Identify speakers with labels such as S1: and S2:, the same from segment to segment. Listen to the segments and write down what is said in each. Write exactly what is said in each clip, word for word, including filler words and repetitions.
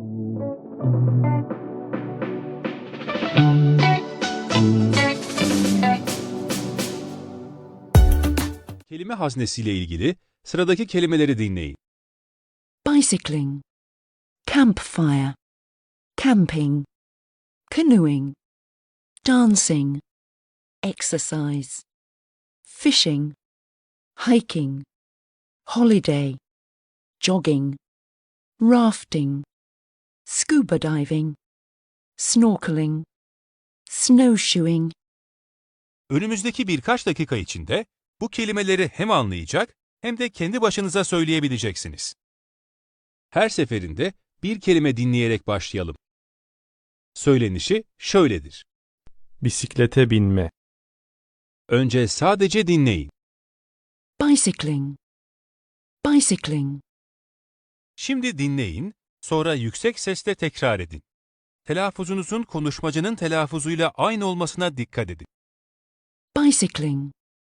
S1: Kelime haznesiyle ilgili sıradaki kelimeleri dinleyin.
S2: bicycling, campfire, camping, canoeing, dancing, exercise, fishing, hiking, holiday, jogging, rafting, scuba diving, snorkeling, snowshoeing.
S1: Önümüzdeki birkaç dakika içinde bu kelimeleri hem anlayacak hem de kendi başınıza söyleyebileceksiniz. Her seferinde bir kelime dinleyerek başlayalım. Söylenişi şöyledir.
S3: Bisiklete binme,
S1: Önce sadece dinleyin.
S2: Bicycling, bicycling,
S1: Şimdi dinleyin, sonra yüksek sesle tekrar edin. Telaffuzunuzun konuşmacının telaffuzuyla aynı olmasına dikkat edin.
S2: bicycling,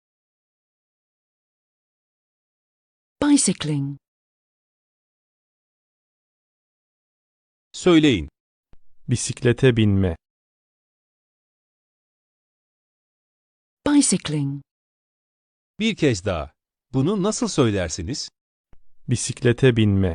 S2: bicycling,
S1: Söyleyin.
S3: bisiklete binme,
S2: bicycling,
S1: Bir kez daha. Bunu nasıl söylersiniz?
S3: bisiklete binme,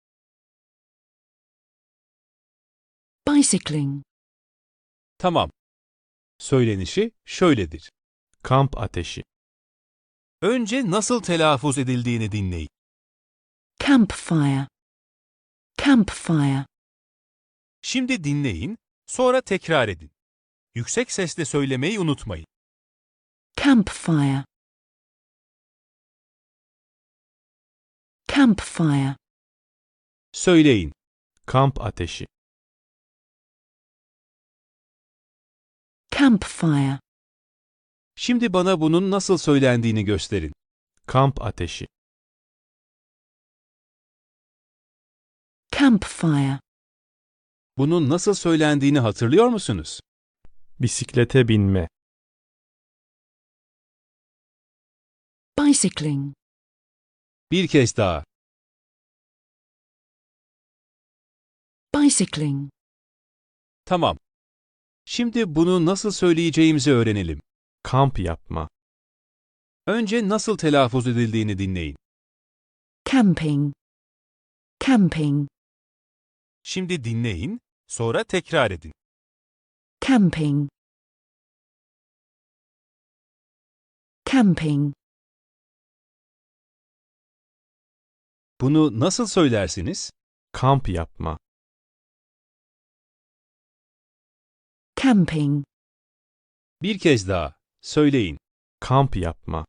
S2: bicycling,
S1: Tamam. Söylenişi şöyledir.
S3: kamp ateşi,
S1: Önce nasıl telaffuz edildiğini dinleyin.
S2: campfire, campfire,
S1: Şimdi dinleyin, sonra tekrar edin. Yüksek sesle söylemeyi unutmayın.
S2: campfire, campfire,
S1: Söyleyin.
S3: kamp ateşi,
S2: campfire,
S1: Şimdi bana bunun nasıl söylendiğini gösterin.
S3: kamp ateşi,
S2: campfire,
S1: Bunun nasıl söylendiğini hatırlıyor musunuz?
S3: bisiklete binme,
S2: bicycling,
S1: Bir kez daha.
S2: bicycling,
S1: Tamam. Şimdi bunu nasıl söyleyeceğimizi öğrenelim.
S3: kamp yapma,
S1: Önce nasıl telaffuz edildiğini dinleyin.
S2: camping, camping,
S1: Şimdi dinleyin, sonra tekrar edin.
S2: camping, camping,
S1: Bunu nasıl söylersiniz?
S3: kamp yapma,
S2: camping,
S1: Bir kez daha. Söyleyin.
S3: kamp yapma,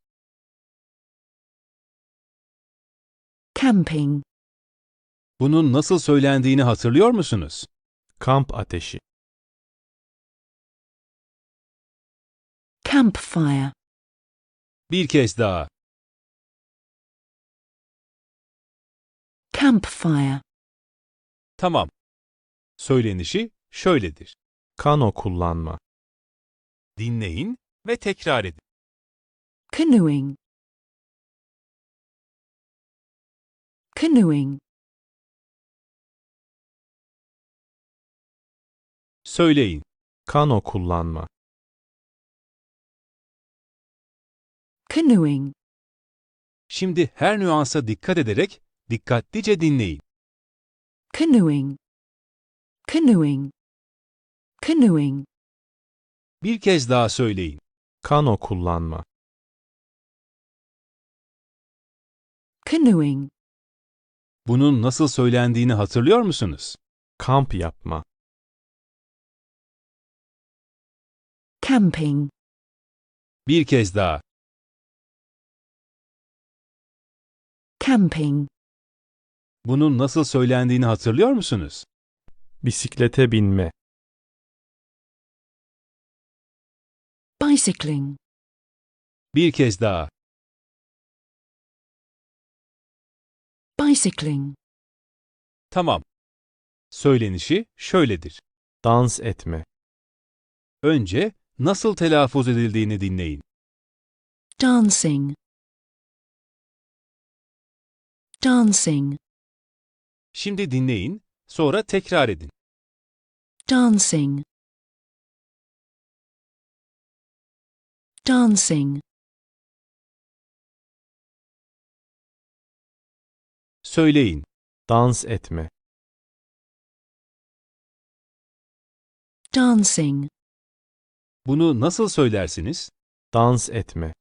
S2: camping,
S1: Bunun nasıl söylendiğini hatırlıyor musunuz?
S3: kamp ateşi,
S2: campfire,
S1: Bir kez daha.
S2: campfire,
S1: Tamam. Söylenişi şöyledir.
S3: kano kullanma,
S1: Dinleyin ve tekrar edin.
S2: canoeing, canoeing,
S1: Söyleyin.
S3: kano kullanma,
S2: canoeing,
S1: Şimdi her nüansa dikkat ederek dikkatlice dinleyin.
S2: canoeing, canoeing, canoeing,
S1: Bir kez daha söyleyin.
S3: kano kullanma,
S2: canoeing,
S1: Bunun nasıl söylendiğini hatırlıyor musunuz?
S3: kamp yapma,
S2: camping,
S1: Bir kez daha.
S2: camping,
S1: Bunun nasıl söylendiğini hatırlıyor musunuz?
S3: bisiklete binme,
S2: bicycling,
S1: Bir kez daha.
S2: bicycling,
S1: Tamam. Söylenişi şöyledir.
S3: dans etme,
S1: Önce nasıl telaffuz edildiğini dinleyin.
S2: dancing, dancing,
S1: Şimdi dinleyin, Sonra tekrar edin.
S2: dancing, dancing,
S1: Söyleyin.
S3: Dans etme.
S2: dancing,
S1: Bunu nasıl söylersiniz?
S3: Dans etme.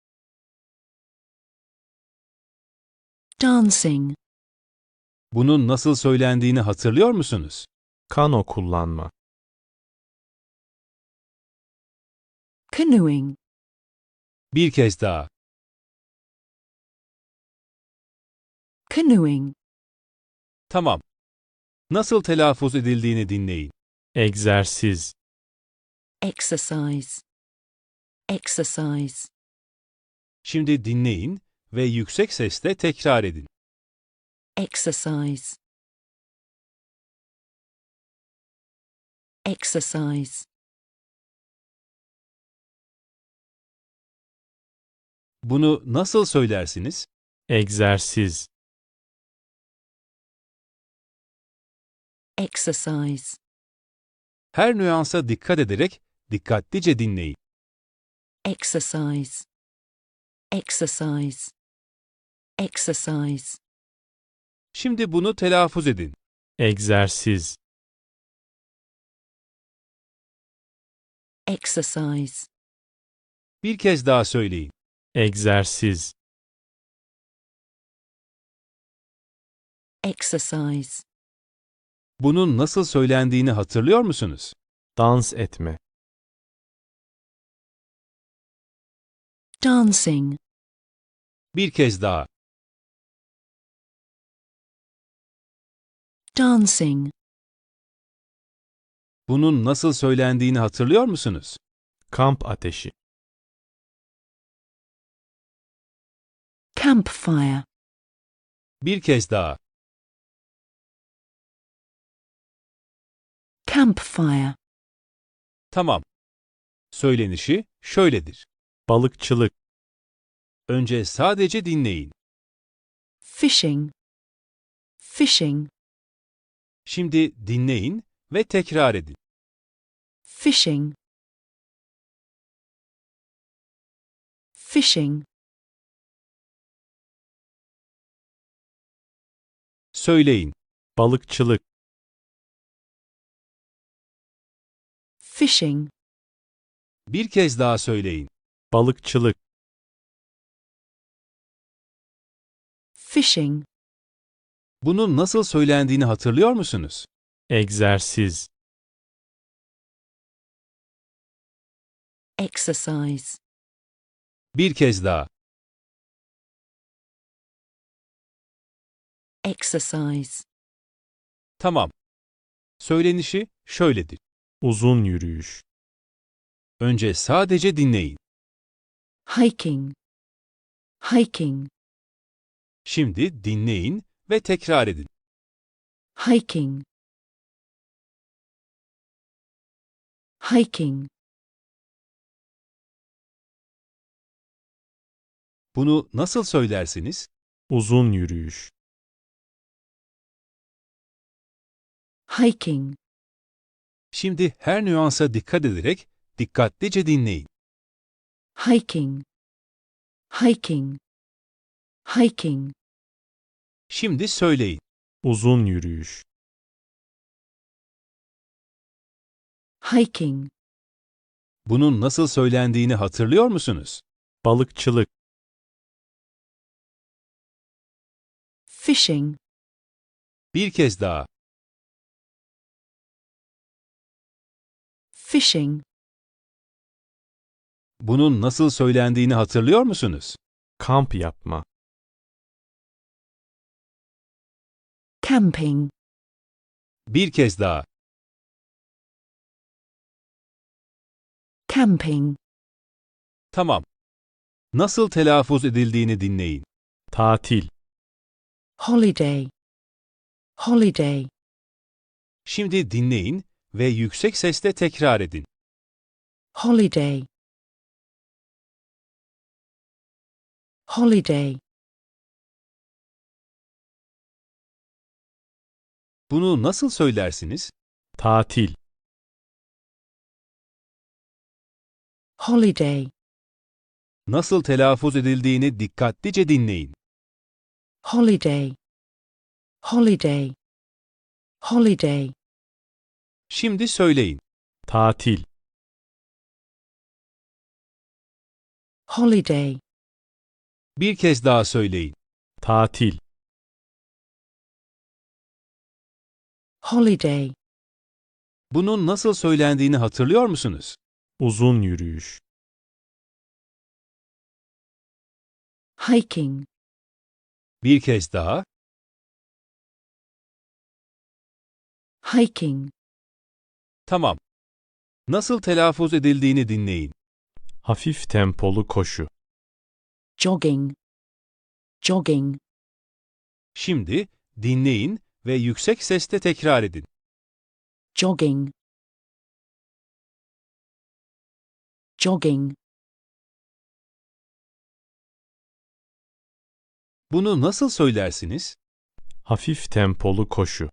S2: dancing,
S1: Bunun nasıl söylendiğini hatırlıyor musunuz?
S3: Kano kullanma.
S2: canoeing,
S1: Bir kez daha.
S2: canoeing,
S1: Tamam. Nasıl telaffuz edildiğini dinleyin.
S3: Egzersiz.
S2: exercise, exercise,
S1: Şimdi dinleyin ve yüksek sesle tekrar edin.
S2: exercise, exercise,
S1: Bunu nasıl söylersiniz?
S3: Egzersiz.
S2: exercise,
S1: Her nüansa dikkat ederek dikkatlice dinleyin.
S2: exercise, exercise, exercise,
S1: Şimdi bunu telaffuz edin.
S3: Egzersiz.
S2: exercise,
S1: Bir kez daha söyleyin.
S3: Egzersiz.
S2: exercise,
S1: Bunun nasıl söylendiğini hatırlıyor musunuz?
S3: Dans etme.
S2: dancing,
S1: Bir kez daha.
S2: dancing,
S1: Bunun nasıl söylendiğini hatırlıyor musunuz?
S3: Kamp ateşi.
S2: campfire,
S1: Bir kez daha.
S2: campfire,
S1: Tamam. Söylenişi şöyledir.
S3: Balıkçılık.
S1: Önce sadece dinleyin.
S2: fishing, fishing,
S1: Şimdi dinleyin ve tekrar edin.
S2: fishing, fishing,
S1: Söyleyin.
S3: Balıkçılık.
S2: fishing,
S1: Bir kez daha söyleyin.
S3: Balıkçılık.
S2: fishing,
S1: Bunun nasıl söylendiğini hatırlıyor musunuz?
S3: Egzersiz.
S2: exercise,
S1: Bir kez daha.
S2: exercise,
S1: Tamam. Söylenişi şöyledir.
S3: Uzun yürüyüş.
S1: Önce sadece dinleyin.
S2: hiking, hiking,
S1: Şimdi dinleyin ve tekrar edin.
S2: hiking, hiking,
S1: Bunu nasıl söylersiniz?
S3: Uzun yürüyüş.
S2: hiking,
S1: Şimdi her nüansa dikkat ederek dikkatlice dinleyin.
S2: hiking, hiking, hiking,
S1: Şimdi söyleyin.
S3: Uzun yürüyüş.
S2: hiking,
S1: Bunun nasıl söylendiğini hatırlıyor musunuz?
S3: Balıkçılık.
S2: fishing,
S1: Bir kez daha.
S2: fishing,
S1: Bunun nasıl söylendiğini hatırlıyor musunuz?
S3: Kamp yapma.
S2: camping,
S1: Bir kez daha.
S2: camping,
S1: Tamam. Nasıl telaffuz edildiğini dinleyin.
S3: Tatil.
S2: holiday, holiday,
S1: Şimdi dinleyin ve yüksek sesle tekrar edin.
S2: holiday, holiday,
S1: Bunu nasıl söylersiniz?
S3: Tatil.
S2: holiday,
S1: Nasıl telaffuz edildiğini dikkatlice dinleyin.
S2: holiday, holiday, holiday,
S1: Şimdi söyleyin.
S3: Tatil.
S2: holiday,
S1: Bir kez daha söyleyin.
S3: Tatil.
S2: holiday,
S1: Bunun nasıl söylendiğini hatırlıyor musunuz?
S3: Uzun yürüyüş.
S2: hiking,
S1: Bir kez daha.
S2: hiking,
S1: Tamam. Nasıl telaffuz edildiğini dinleyin.
S3: Hafif tempolu koşu.
S2: jogging, jogging,
S1: Şimdi dinleyin ve yüksek sesle tekrar edin.
S2: jogging, jogging,
S1: Bunu nasıl söylersiniz?
S3: Hafif tempolu koşu.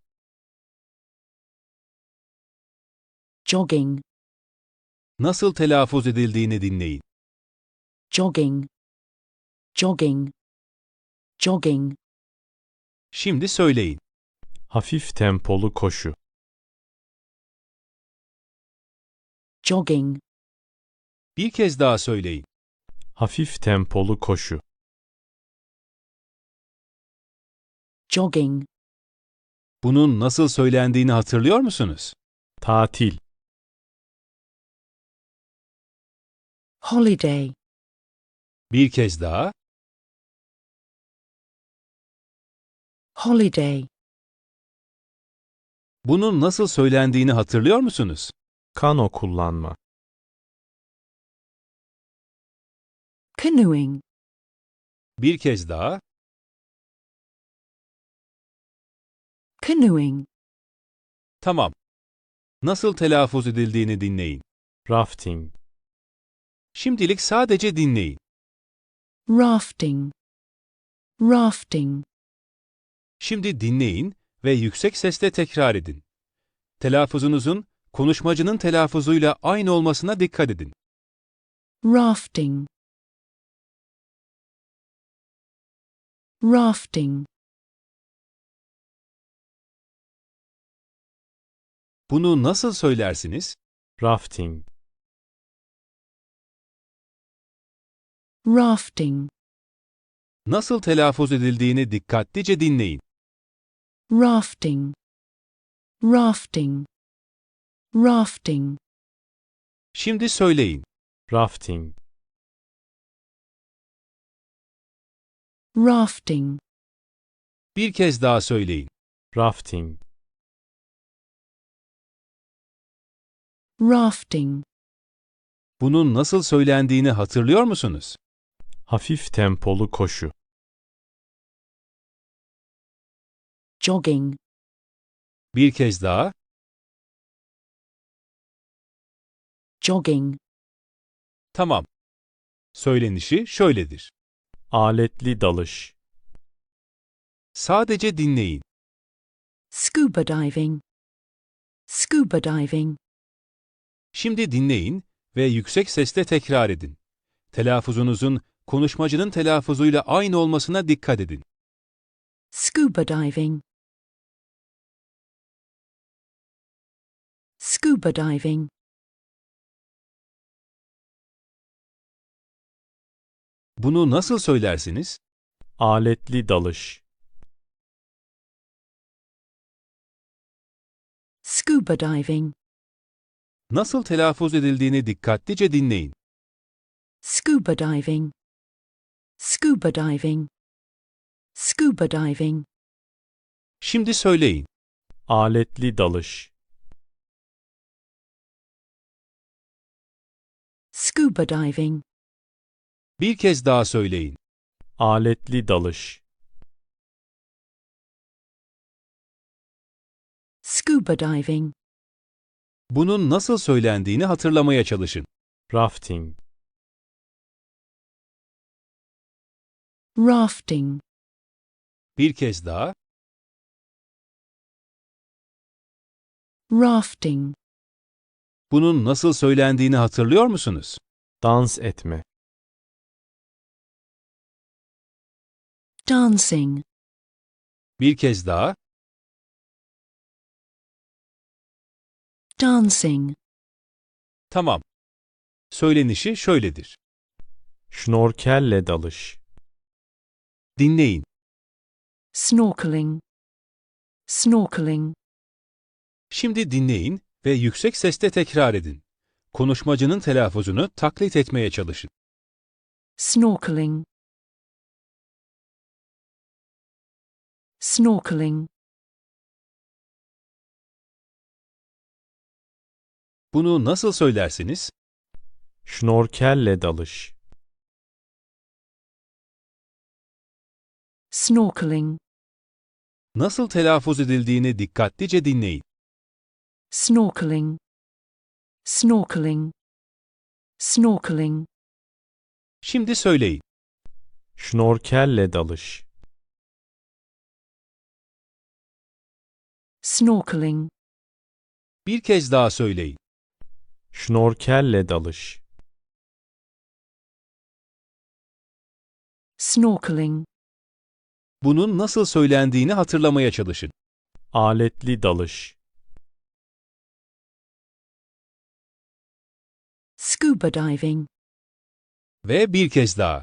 S2: jogging,
S1: Nasıl telaffuz edildiğini dinleyin.
S2: jogging, jogging, jogging,
S1: Şimdi söyleyin.
S3: Hafif tempolu koşu.
S2: jogging,
S1: Bir kez daha söyleyin.
S3: Hafif tempolu koşu.
S2: jogging,
S1: Bunun nasıl söylendiğini hatırlıyor musunuz?
S3: Tatil.
S2: holiday,
S1: Bir kez daha.
S2: holiday,
S1: Bunun nasıl söylendiğini hatırlıyor musunuz?
S3: Kano kullanma.
S2: canoeing,
S1: Bir kez daha.
S2: canoeing,
S1: Tamam. Nasıl telaffuz edildiğini dinleyin.
S3: Rafting.
S1: Şimdilik sadece dinleyin.
S2: rafting, rafting,
S1: Şimdi dinleyin ve yüksek sesle tekrar edin. Telaffuzunuzun konuşmacının telaffuzuyla aynı olmasına dikkat edin.
S2: rafting, rafting,
S1: Bunu nasıl söylersiniz?
S3: Rafting.
S2: rafting,
S1: Nasıl telaffuz edildiğini dikkatlice dinleyin.
S2: rafting, rafting, rafting,
S1: Şimdi söyleyin.
S3: Rafting.
S2: rafting,
S1: Bir kez daha söyleyin.
S3: Rafting.
S2: rafting,
S1: Bunun nasıl söylendiğini hatırlıyor musunuz?
S3: Hafif tempolu koşu.
S2: jogging,
S1: Bir kez daha.
S2: jogging,
S1: Tamam. Söylenişi şöyledir.
S3: Aletli dalış.
S1: Sadece dinleyin.
S2: scuba diving, scuba diving,
S1: Şimdi dinleyin ve yüksek sesle tekrar edin. Telaffuzunuzun konuşmacının telaffuzuyla aynı olmasına dikkat edin.
S2: scuba diving, scuba diving,
S1: Bunu nasıl söylersiniz?
S3: Aletli dalış.
S2: scuba diving,
S1: Nasıl telaffuz edildiğini dikkatlice dinleyin.
S2: scuba diving, scuba diving, scuba diving,
S1: Şimdi söyleyin.
S3: Aletli dalış.
S2: scuba diving,
S1: Bir kez daha söyleyin.
S3: Aletli dalış.
S2: scuba diving,
S1: Bunun nasıl söylendiğini hatırlamaya çalışın.
S3: Rafting.
S2: rafting,
S1: Bir kez daha.
S2: Rafting.
S1: Bunun nasıl söylendiğini hatırlıyor musunuz?
S3: Dans etme.
S2: Dancing.
S1: Bir kez daha.
S2: Dancing.
S1: Tamam. Söylenişi şöyledir.
S3: Şnorkelle dalış.
S1: Dinleyin.
S2: Snorkeling. Snorkeling.
S1: Şimdi dinleyin ve yüksek sesle tekrar edin. Konuşmacının telaffuzunu taklit etmeye çalışın.
S2: Snorkeling. Snorkeling.
S1: Bunu nasıl söylersiniz?
S3: Şnorkelle dalış.
S2: Snorkeling.
S1: Nasıl telaffuz edildiğini dikkatlice dinleyin.
S2: Snorkeling. Snorkeling. Snorkeling.
S1: Şimdi söyleyin.
S3: Şnorkelle dalış.
S2: Snorkeling.
S1: Bir kez daha söyleyin.
S3: Şnorkelle dalış.
S2: Snorkeling.
S1: Bunun nasıl söylendiğini hatırlamaya çalışın.
S3: Aletli dalış.
S2: Scuba diving.
S1: Ve bir kez daha.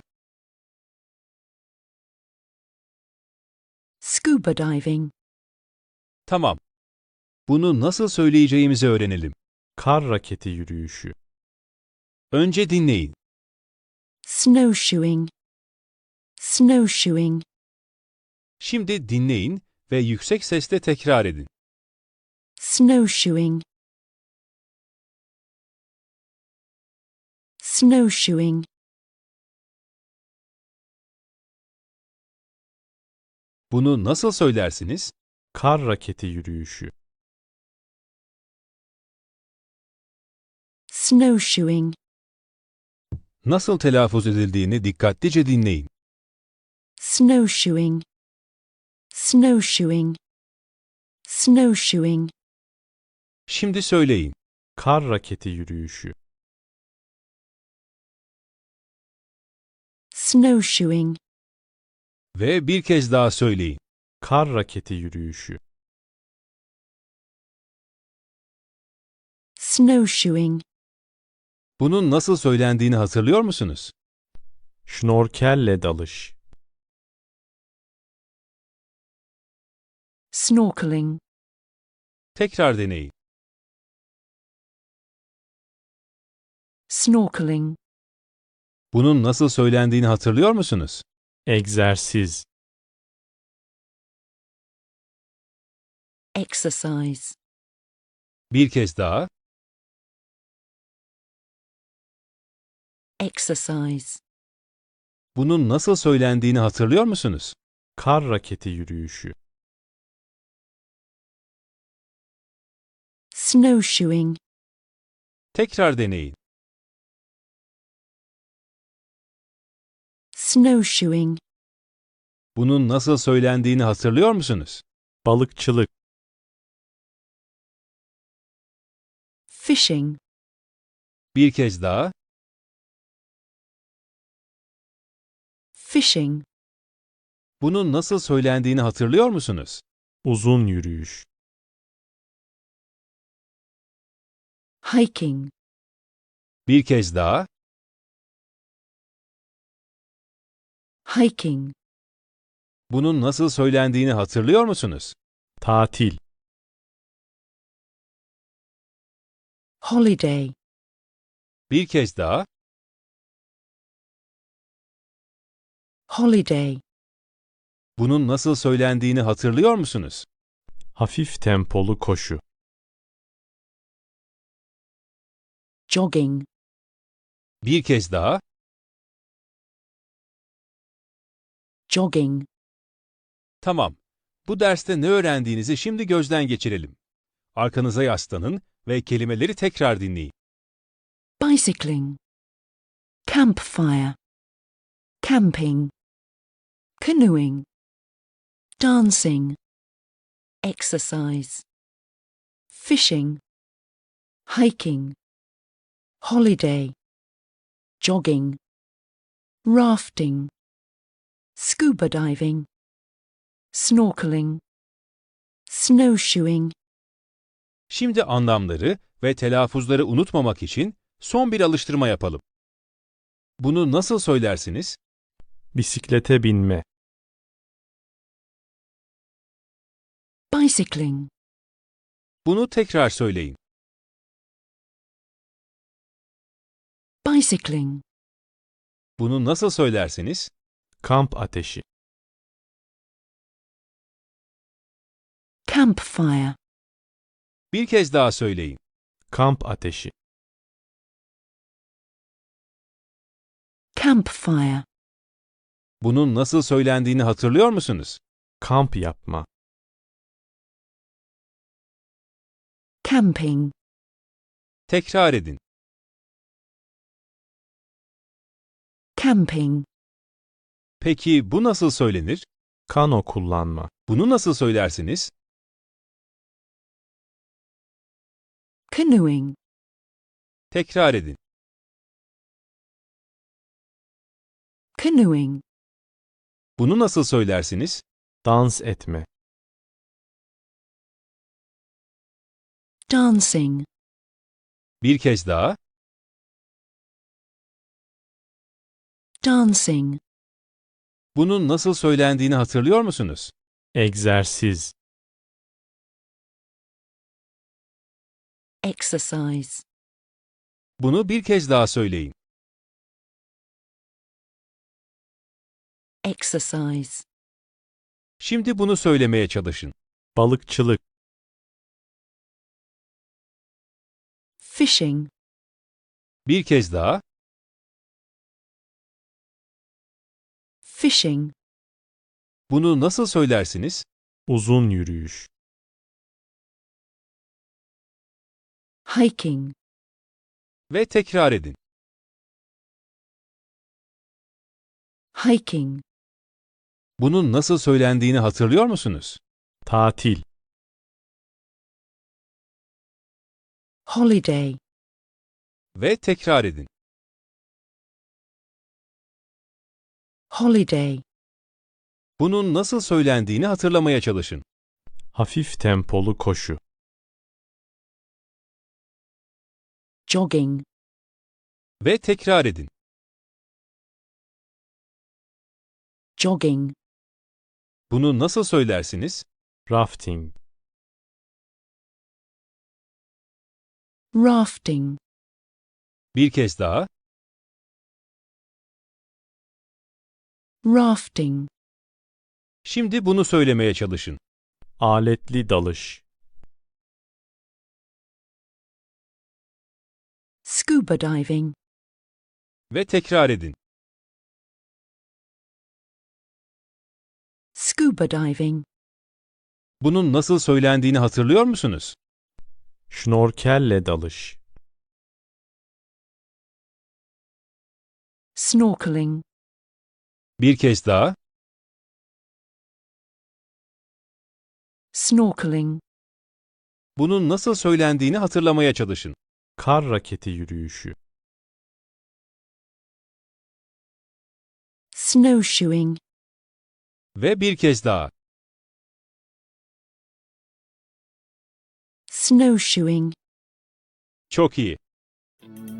S2: Scuba diving.
S1: Tamam. Bunu nasıl söyleyeceğimizi öğrenelim.
S3: Kar raketi yürüyüşü.
S1: Önce dinleyin.
S2: Snowshoeing. Snowshoeing.
S1: Şimdi dinleyin ve yüksek sesle tekrar edin.
S2: Snowshoeing. Snowshoeing.
S1: Bunu nasıl söylersiniz?
S3: Kar raketi yürüyüşü.
S2: Snowshoeing.
S1: Nasıl telaffuz edildiğini dikkatlice dinleyin.
S2: Snowshoeing. Snowshoeing. Snowshoeing.
S1: Şimdi söyleyin.
S3: Kar raketi yürüyüşü.
S2: Snowshoeing.
S1: Ve bir kez daha söyleyin.
S3: Kar raketi yürüyüşü.
S2: Snowshoeing.
S1: Bunun nasıl söylendiğini hatırlıyor musunuz?
S3: Şnorkelle dalış.
S2: Snorkeling.
S1: Tekrar deneyin.
S2: Snorkeling.
S1: Bunun nasıl söylendiğini hatırlıyor musunuz?
S3: Egzersiz.
S2: Exercise.
S1: Bir kez daha.
S2: Exercise.
S1: Bunun nasıl söylendiğini hatırlıyor musunuz?
S3: Kar raketi yürüyüşü.
S2: Snowshoeing.
S1: Tekrar deneyin.
S2: Snowshoeing.
S1: Bunun nasıl söylendiğini hatırlıyor musunuz?
S3: Balıkçılık.
S2: Fishing.
S1: Bir kez daha.
S2: Fishing.
S1: Bunun nasıl söylendiğini hatırlıyor musunuz?
S3: Uzun yürüyüş.
S2: Hiking.
S1: Bir kez daha.
S2: Hiking.
S1: Bunun nasıl söylendiğini hatırlıyor musunuz?
S3: Tatil.
S2: Holiday.
S1: Bir kez daha.
S2: Holiday.
S1: Bunun nasıl söylendiğini hatırlıyor musunuz?
S3: Hafif tempolu koşu.
S2: Jogging.
S1: Bir kez daha.
S2: Jogging.
S1: Tamam. Bu derste ne öğrendiğinizi şimdi gözden geçirelim. Arkanıza yaslanın ve kelimeleri tekrar dinleyin.
S2: Bicycling. Campfire. Camping. Canoeing. Dancing. Exercise. fishing, hiking, holiday, jogging, rafting, scuba diving, snorkeling, snowshoeing.
S1: Şimdi anlamları ve telaffuzları unutmamak için son bir alıştırma yapalım. Bunu nasıl söylersiniz?
S3: Bisiklete binme.
S2: Bicycling,
S1: Bunu tekrar söyleyin.
S2: bicycling,
S1: Bunu nasıl söylersiniz?
S3: Kamp ateşi.
S2: campfire,
S1: Bir kez daha söyleyin.
S3: Kamp ateşi.
S2: campfire,
S1: Bunun nasıl söylendiğini hatırlıyor musunuz?
S3: Kamp yapma.
S2: camping,
S1: Tekrar edin.
S2: camping,
S1: Peki bu nasıl söylenir?
S3: Kano kullanma.
S1: Bunu nasıl söylersiniz?
S2: canoeing,
S1: Tekrar edin.
S2: canoeing,
S1: Bunu nasıl söylersiniz?
S3: Dans etme.
S2: dancing,
S1: Bir kez daha.
S2: dancing,
S1: Bunun nasıl söylendiğini hatırlıyor musunuz?
S3: Egzersiz.
S2: exercise,
S1: Bunu bir kez daha söyleyin.
S2: exercise,
S1: Şimdi bunu söylemeye çalışın.
S3: Balıkçılık.
S2: fishing,
S1: Bir kez daha.
S2: fishing,
S1: Bunu nasıl söylersiniz?
S3: Uzun yürüyüş.
S2: hiking,
S1: Ve tekrar edin.
S2: hiking,
S1: Bunun nasıl söylendiğini hatırlıyor musunuz?
S3: Tatil.
S2: holiday,
S1: Ve tekrar edin.
S2: holiday,
S1: Bunun nasıl söylendiğini hatırlamaya çalışın.
S3: Hafif tempolu koşu.
S2: jogging,
S1: Ve tekrar edin.
S2: jogging,
S1: Bunu nasıl söylersiniz?
S3: Rafting.
S2: rafting,
S1: Bir kez daha.
S2: rafting,
S1: Şimdi bunu söylemeye çalışın.
S3: Aletli dalış.
S2: scuba diving,
S1: Ve tekrar edin.
S2: scuba diving,
S1: Bunun nasıl söylendiğini hatırlıyor musunuz?
S3: Şnorkelle dalış.
S2: snorkeling,
S1: Bir kez daha.
S2: snorkeling,
S1: Bunun nasıl söylendiğini hatırlamaya çalışın.
S3: Kar raketi yürüyüşü.
S2: snowshoeing,
S1: Ve bir kez daha.
S2: snowshoeing.
S1: Çok iyi.